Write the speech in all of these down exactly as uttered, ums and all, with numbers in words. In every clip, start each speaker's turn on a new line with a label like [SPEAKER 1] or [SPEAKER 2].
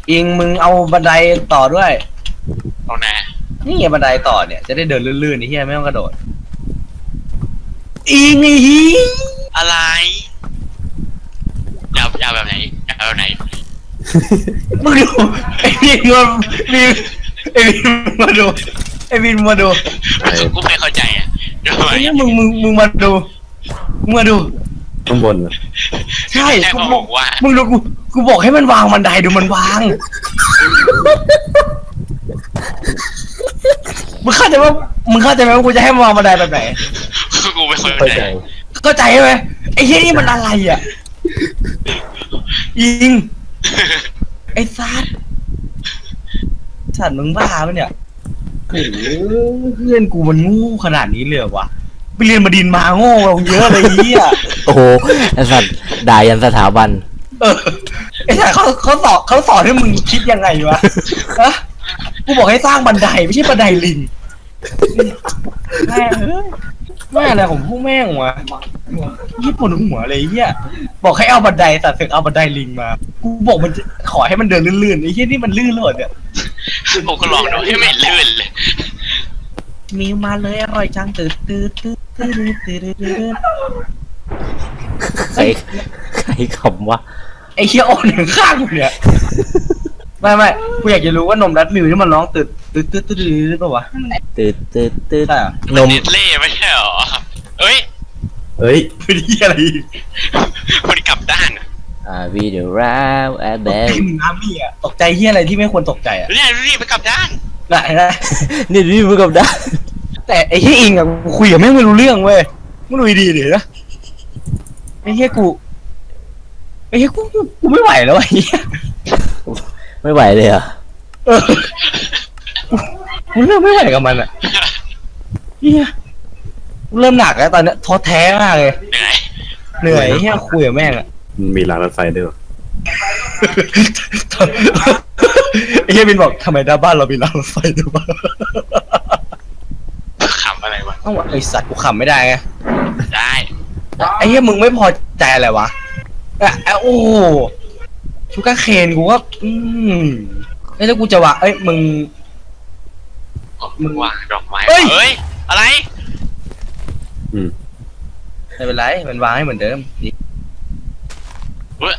[SPEAKER 1] อิงมึงเอาบันไดต่อด้วย
[SPEAKER 2] ตรงไหน
[SPEAKER 1] นี่ไงบันไดต่อเนี่ยจะได้เดินลื่นๆไอ้เหี้ยไม่ต้องกระโดดอิงไอ้เหี้ย
[SPEAKER 2] อะไรอยากอยากแบบไหนอยากแบบไหน
[SPEAKER 1] มึงดูไอ้วินมาวินไอ้วินมาดูไอ้วินมาดู
[SPEAKER 2] กูไม่เข้าใจอ่ะ
[SPEAKER 1] ไอ้เหี้ยมึงมึงมึงมาดูมึงมาดู
[SPEAKER 3] ข้างบนเหรอ
[SPEAKER 1] ใช่
[SPEAKER 2] กู
[SPEAKER 1] บอก
[SPEAKER 2] ว่า
[SPEAKER 1] มึงดูกูกูบอกให้มันวางบันไดดูมันวางมึงเข้าใจว่ามึงเข้าใจไหมว่ากูจะให้มันวางบันไดแบบไหน
[SPEAKER 2] กูไม่เข้าใจ
[SPEAKER 1] เข้าใจไหมไอ้เหี้ยนี่มันอะไรอ่ะยิงไอ้ซัดสัตว์มึงบ้าปะเนี่ยโอ้เพื่อนกูมันงูขนาดนี้เลยวะไปเรียนมาดินมาโง่เราเยอะเลยเหี้ย
[SPEAKER 4] โอ้โหไอ้สัตว์ด่ายันสถาบัน
[SPEAKER 1] เออไอ้สัตว์เขาเขาสอนเขาสอนให้มึงคิดยังไงวะฮะกูบอกให้สร้างบันไดไม่ใช่บันไดลิงแม่เฮ้ยแม่อะไรของพวกแม่งวะญี่ปุ่นหัวอะไรเหี้ยบอกให้เอาบันไดแต่ถึงเอาบันไดลิงมากูบอกมันขอให้มันเดินลื่นๆไอ้เหี้ยนี่มันลื่นเลยเนี่ย
[SPEAKER 2] ผมก็ลองดูให้ไม่ลื่นเลย
[SPEAKER 1] มีมาเลยอร่อยจังตื่นตื่นตื่นตื่นตื่นตื่น
[SPEAKER 4] ใครใครขำวะ
[SPEAKER 1] ไอ้เหี้ยโอนหนึ่งข้างกูเนี่ยไม่ไม่กูอยากจะรู้ว่านมรัดมิวที่มันร้องตื่นตื่นตื่นตื่นหรือเปล่าวะ
[SPEAKER 4] ตื่นตื่นตื่น
[SPEAKER 2] นมเล่ไม่ใช่หรอเอ้ย
[SPEAKER 3] เฮ้ย
[SPEAKER 1] เป็นเหี้ยอะไร
[SPEAKER 2] คนกลับด้าน
[SPEAKER 4] อ่าวีเดียราแอดเบล
[SPEAKER 1] น้ำนี่อ่ะตกใจเหี้ยอะไรที่ไม่ควรตกใจอ่ะ
[SPEAKER 2] เนี่ยรีบไปกลับด้าน
[SPEAKER 1] ไหนนะ
[SPEAKER 4] นี่รีบไปกลับด้าน
[SPEAKER 1] แต่ไอ้เหี้ยอิงอ่ะกูคุยกับแม่งไม่รู้เรื่องเว้ยมึงดูดีดินะไอ้เหี้ยกูไอ้เหี้ยกูกูไม่ไหวแล้วไอ้เหี้ย
[SPEAKER 4] ไม่ไหวเลยอ่ะ
[SPEAKER 1] เออกูเริ่มไม่ไหวกับมันอ่ะเหี้ยกูเริ่มหนักแล้วตอนนี้ท้อแท้มากเลย
[SPEAKER 2] เหนื่อย
[SPEAKER 1] เหนื่อยเหี้ยคุยกับแม่งอ่ะ
[SPEAKER 3] มีรางรถไฟด้วย
[SPEAKER 1] ไอ้เหี้ยบินบอกทำไมหน้าบ้านเรามีรางรถไฟด้วยวะ
[SPEAKER 2] ขำอะไรวะ
[SPEAKER 1] เอ้าไอ้สัตว์กูขำไม่ได้ไง
[SPEAKER 2] ได้
[SPEAKER 1] ไอ้เหี้ยมึงไม่พอใจอะไรวะอะโอ้ชูการ์เคนกูว่าอืมไอ้แล้วกูจะวะเอ้ยมึง
[SPEAKER 2] มึงวางดอกไม้เฮ้ยอะไร
[SPEAKER 3] อืม
[SPEAKER 1] ไม่เป็นไรมันวางให้เหมือนเดิม
[SPEAKER 2] เฮ้ย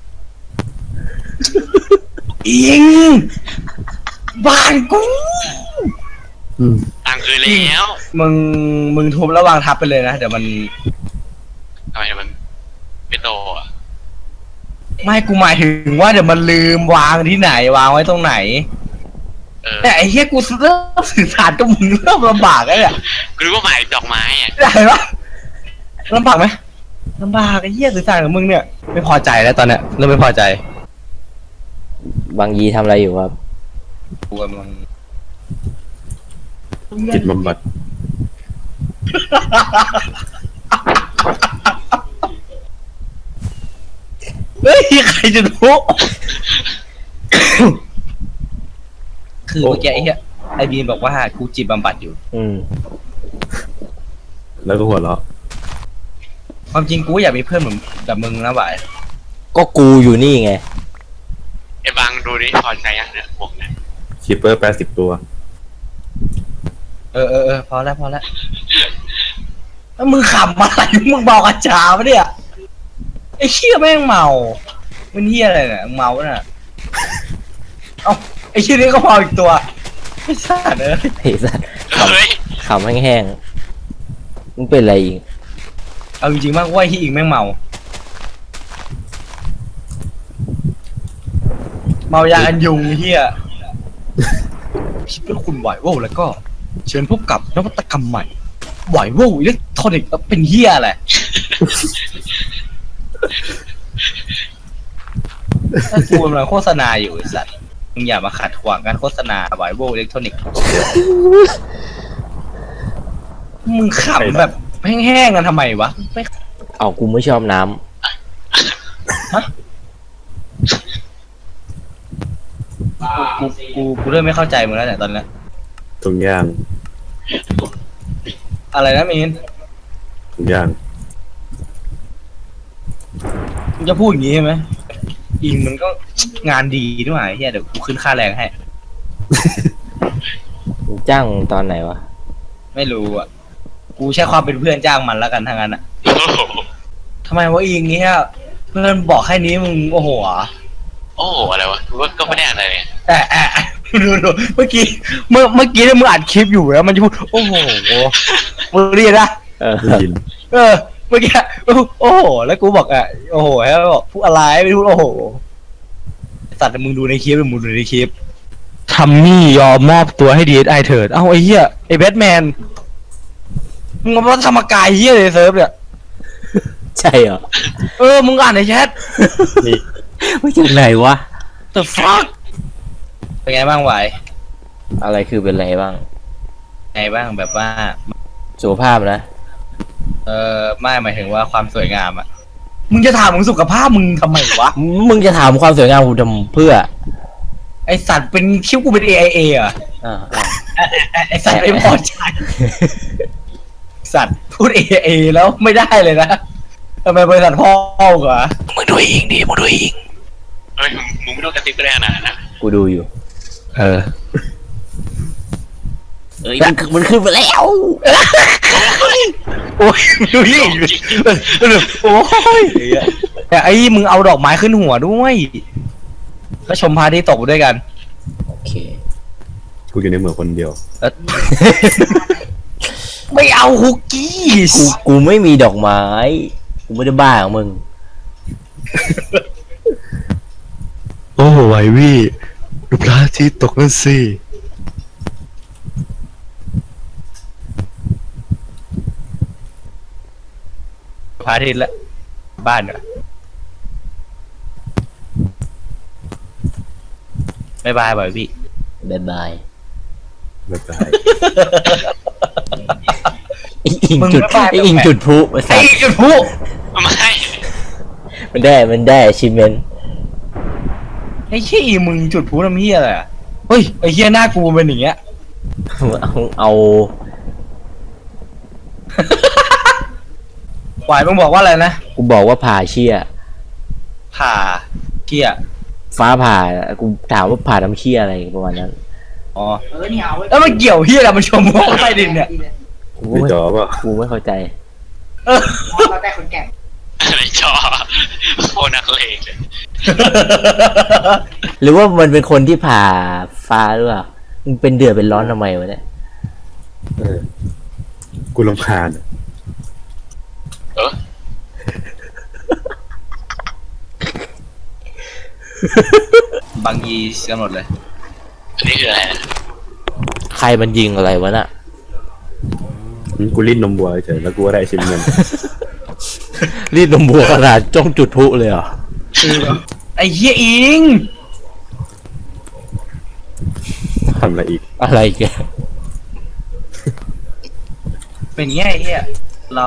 [SPEAKER 1] อิงบ้านกู
[SPEAKER 2] ตังคือแล้ว
[SPEAKER 1] มึงมึงทุบแล้ววางทับไปเลยนะเดี๋ยวมัน
[SPEAKER 2] ทำไมมันไม่โตอ่ะ
[SPEAKER 1] ไม่กูหมายถึงว่าเดี๋ยวมันลืมวางที่ไหนวางไว้ตรงไหนแต่ไอ้เหี้ยกูเริ่มสื่อสารกับมึงเริ่มลำบากแล้วเนี่ย
[SPEAKER 2] กูรู้ว่าหมายดอกไม้อ่ะ
[SPEAKER 1] ได้ปะลำบากไหมลำบากไอ้เหี้ยสื่อสารกับมึงเนี่ยไม่พอใจแล้วตอนเนี้ยเริ่มไม่พอใจ
[SPEAKER 4] บางยีทำอะไรอยู่ครับ
[SPEAKER 1] กูกำลัง
[SPEAKER 3] จิตบำบัด
[SPEAKER 1] เฮ้ยใครจะรู้คือเมื่อกี้ไอ้เหี้ยไอ้บีนบอกว่ากูจิตบำบัดอยู่
[SPEAKER 4] อืม
[SPEAKER 3] แล้วก็หัวเราะ
[SPEAKER 1] ความจริงกูอยากมีเพื่อนเหมือนกับมึงนะบ่าย
[SPEAKER 4] ก็กูอยู่นี่ไง
[SPEAKER 2] ไอ้บางดูดิพอใจยังเนี่ยบอกนะ
[SPEAKER 3] คิปเปอร์แปดสิบตัว
[SPEAKER 1] เออเออเออพอแล้วพอแล้วแล้วมึงขำอะไรมึงบอกอาจารย์ปะเนี่ยไอ้เชี่ยแม่งเมามันเหี้ยอะไรเนี่ยเมาน่ะเอ้าไอ้เชี่ยนี่ก็เมาอีกตัวไอ้สัตว์เอ้ย
[SPEAKER 4] ไอ้สัตว์ขำแห้งๆมึงเป็นอะไรอีก
[SPEAKER 1] เอาจริงๆมากว่าไอ้เหี้ยอิงแม่งเมาเมายาอันยุงเหี้ยคิดว่าคุณไหวโว้แล้วก็เชิญพบกับนวัตกรรมใหม่ไหวโว้อิเล็กทรอนิกส์เป็นเหี้ยอะไรถ้ากูกำลังโฆษณาอยู่ไอ้สัตว์มึงอย่ามาขัดขวางการโฆษณาไวโวอิเล็กทรอนิกส์มึงขำแบบแห้งๆกันทำไมวะไม่
[SPEAKER 4] เอากูไม่ชอบน้
[SPEAKER 1] ำฮะกูกูกูเริ่มไม่เข้าใจมึงแล้วเนี่ยตอนนี้
[SPEAKER 3] ทุกอย่าง
[SPEAKER 1] อะไรนะมีน
[SPEAKER 3] ทุกอย่าง
[SPEAKER 1] มึงจะพูดอย่างนี้ใช่ไหมอิงมันก็งานดีด้วยเฮียเดี๋ยวกูขึ้นค่าแรงให้
[SPEAKER 4] มึงจ้างตอนไหนวะ
[SPEAKER 1] ไม่รู้อ่ะกูใช้ความเป็นเพื่อนจ้างมันแล้วกันทั้งนั้นอ่ะ
[SPEAKER 2] โอ้โห
[SPEAKER 1] ทำไมวะอิงเนี้ยเพื่อนบอกแค่นี้มึงโอ้โหอ่ะ
[SPEAKER 2] โอ้โหอะไรวะกูว่าก็ไม่ได้อะไรเลย
[SPEAKER 1] แต่แอะดูดูเมื่อกี้เมื่อเมื่อกี้เนี่ยมึงอัดคลิปอยู่แล้วมันจะพูดโอ้โหมึงเรียนนะ
[SPEAKER 4] เออ
[SPEAKER 3] ได้ยิน
[SPEAKER 1] เออเมื่อกี้โอ้โหแล้วกูบอกอ่ะโอ้โหแล้วบอกพูดอะไรไม่พูดโอ้โหสัตว์มึงดูในคลิปมึงดูในคลิปทัมมี่ยอมมอบตัวให้ดีเอสไอเถิดเอ้าไอ้เหี้ยไอ้แบทแมนมึงมาทำมากายเหี้ยเลยเซิร์ฟเนี่ย
[SPEAKER 4] ใช่เหรอ
[SPEAKER 1] เออมึงอ่านในแชท
[SPEAKER 3] นี่
[SPEAKER 4] ไม่จากไหนวะ
[SPEAKER 1] the fuck เป็นไงบ้างไหว
[SPEAKER 4] อะไรคือเป็นไรบ้าง
[SPEAKER 1] ไงบ้างแบบว่า
[SPEAKER 4] สุขภาพนะ
[SPEAKER 1] เออไม่หมายถึงว่าความสวยงามอ่ะมึงจะถามมึงสุขภาพมึงทำไมวะ
[SPEAKER 4] มึงจะถามความสวยงามกูทำเพื่อ
[SPEAKER 1] ไอสัตว์เป็นคิ้วกูเป็น เอ ไอ เอ อ่ะ
[SPEAKER 4] อ่าอ่า
[SPEAKER 1] ไอ้ไอสัตว์ไม่พอใจสัตว์พูด เอ ไอ เอ แล้วไม่ได้เลยนะทำไมบริษัทพ่อกูอ่ะมึงดูเองดิมึงดูเอง
[SPEAKER 2] เฮ้ยมึงมึงไม่ต้องกระซิบก็ได้นะนะ
[SPEAKER 4] กูดูอยู่
[SPEAKER 1] เออ
[SPEAKER 4] เอ้ยมันมันขึ้นไปแล้ว
[SPEAKER 1] โอ้ยดูดิโอ้ยแต่ไอ้มึงเอาดอกไม้ขึ้นหัวด้วยก็ชมพระอาที่ตกด้วยกัน
[SPEAKER 4] โอเค
[SPEAKER 3] กูอยู่ในเมืองคนเดียว
[SPEAKER 1] แล้วไม่เอาคุกกี้
[SPEAKER 4] กูกูไม่มีดอกไม้ กูไม่ได้บ้าของมึง
[SPEAKER 1] โอ้ไหววี่ดูพระอาทิตย์ตกนั่นสิพระอาทิตย์ละบ้านเหรอบ๊ายบายบ่อยพี่
[SPEAKER 4] บายบาย
[SPEAKER 3] แล้วก็
[SPEAKER 4] ไอ้อิง
[SPEAKER 1] มึง
[SPEAKER 4] จุด
[SPEAKER 1] ไม่บ้า
[SPEAKER 4] ไอ้อิง
[SPEAKER 1] แปลก
[SPEAKER 4] จุดพลุมา
[SPEAKER 1] ไอ้
[SPEAKER 4] ใส่
[SPEAKER 1] กระพุ้
[SPEAKER 2] ไม่
[SPEAKER 4] มันได้มันได้ชิมเมน
[SPEAKER 1] ไอ้ขี้ยมึงจุดพลุน้ำเฮียอะไรอ่ะเฮ้ยไอ้เฮียหน้ากูเป็นอย่างเงี้ย
[SPEAKER 4] เอาเอา
[SPEAKER 1] หวายมึงบอกว่าอะไรนะ
[SPEAKER 4] กูบอกว่าผ่าเชี่ย
[SPEAKER 1] ผ่าเกีย
[SPEAKER 4] ฟ้าผ่า กูถามว่าผ่าน้ำเชี่ยอะไรประมาณนั้น
[SPEAKER 1] อ๋อแล้วมันเกี่ยวเฮียอะไรมันชมว่าใต้ดินเนี่ย
[SPEAKER 4] กู
[SPEAKER 3] ไม่
[SPEAKER 4] ไม่
[SPEAKER 3] จอป่ะ
[SPEAKER 4] กูไม่เข้าใจ
[SPEAKER 1] เออ
[SPEAKER 2] อะไรจอโคนักเลงเลย
[SPEAKER 4] หรือว่ามันเป็นคนที่ผ่าฟ้าหรือเปล่ามึงเป็นเดือดเป็นร้อนทำไมวะเนี่ย
[SPEAKER 3] เออกูรำคาญอะ
[SPEAKER 2] เออบ
[SPEAKER 1] างยีกันหมดเลย
[SPEAKER 2] อันนี้คืออะไรนะ
[SPEAKER 4] ใครมันยิงอะไรวะน่ะ
[SPEAKER 3] อืมกูรีดนมวัวเฉยแล้วกูก็ได้ชิมเงิน
[SPEAKER 4] รีดนมบัวขนาดจ้องจุดพลุเลยเหรอ
[SPEAKER 1] ไอ้เฮียอิง
[SPEAKER 3] ทำอะไรอีก
[SPEAKER 4] อะไรแก
[SPEAKER 1] เป็นไงไอ้เฮียเรา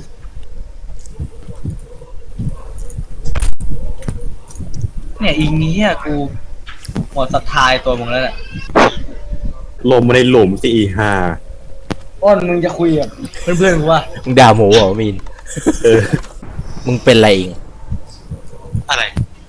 [SPEAKER 1] เนี่ยอิงนี้อ่ะกูหมดศรัทธาในตัวมึงแล้วเนี่ย
[SPEAKER 3] ลมมาในหลุมสิอีห้า
[SPEAKER 1] อ้อนมึงจะคุยกับเพื่อนๆกูว่า
[SPEAKER 4] มึงด่าหมูเหรอมีน
[SPEAKER 3] เออ
[SPEAKER 4] มึงเป็นอะไรเอง
[SPEAKER 2] อะไร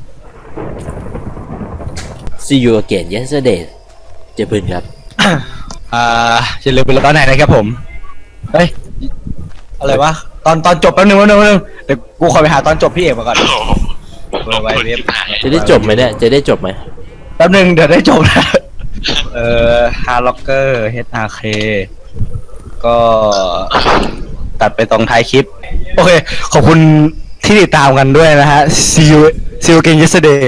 [SPEAKER 4] See you again yesterday เจอเพื่อนครับ
[SPEAKER 1] อ่าจะลืมไปแล้วตอนไหนนะครับผมเฮ้ยอะไรวะตอนตอนจบแป๊บนึงแป๊บนึงแป๊บนึงเดี๋ยวกูขอไปหาตอนจบพี่เอกมาก่อน
[SPEAKER 2] โอ้โห
[SPEAKER 1] เบอร์ไว้เว็บ
[SPEAKER 4] จะได้จบไหมเนี่ย จะได้จบไหม
[SPEAKER 1] แป๊บนึงเดี๋ยวได้จบนะเอ่อฮาร์ล็อกเกอร์ เอช อาร์ เค ก็ตัดไปตรงท้ายคลิป โอเค ขอบคุณที่ติดตามกันด้วยนะฮะ see you see you again yesterday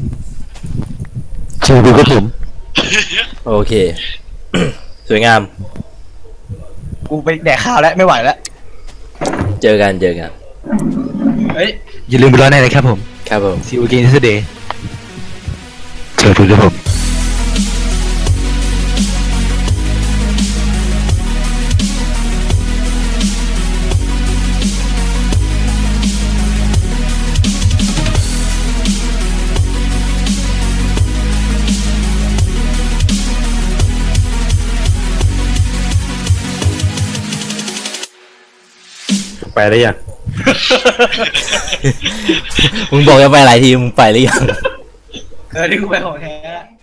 [SPEAKER 1] เจอดูครับผม
[SPEAKER 4] โอเค สวยงาม
[SPEAKER 1] กูไปแดกข้าวแล้ว ไม่ไหวแล้ว
[SPEAKER 4] เจอกันเจอกัน
[SPEAKER 1] เฮ้ย อย่าลืมไปรอในนะครับผม
[SPEAKER 4] ครับผม
[SPEAKER 1] see you again yesterday เจอดูครับผม
[SPEAKER 3] ไปได้ยัง
[SPEAKER 4] มึงบอกจะไปหลายทีมึงไปหรือยัง
[SPEAKER 1] เออที่กูไปของแท้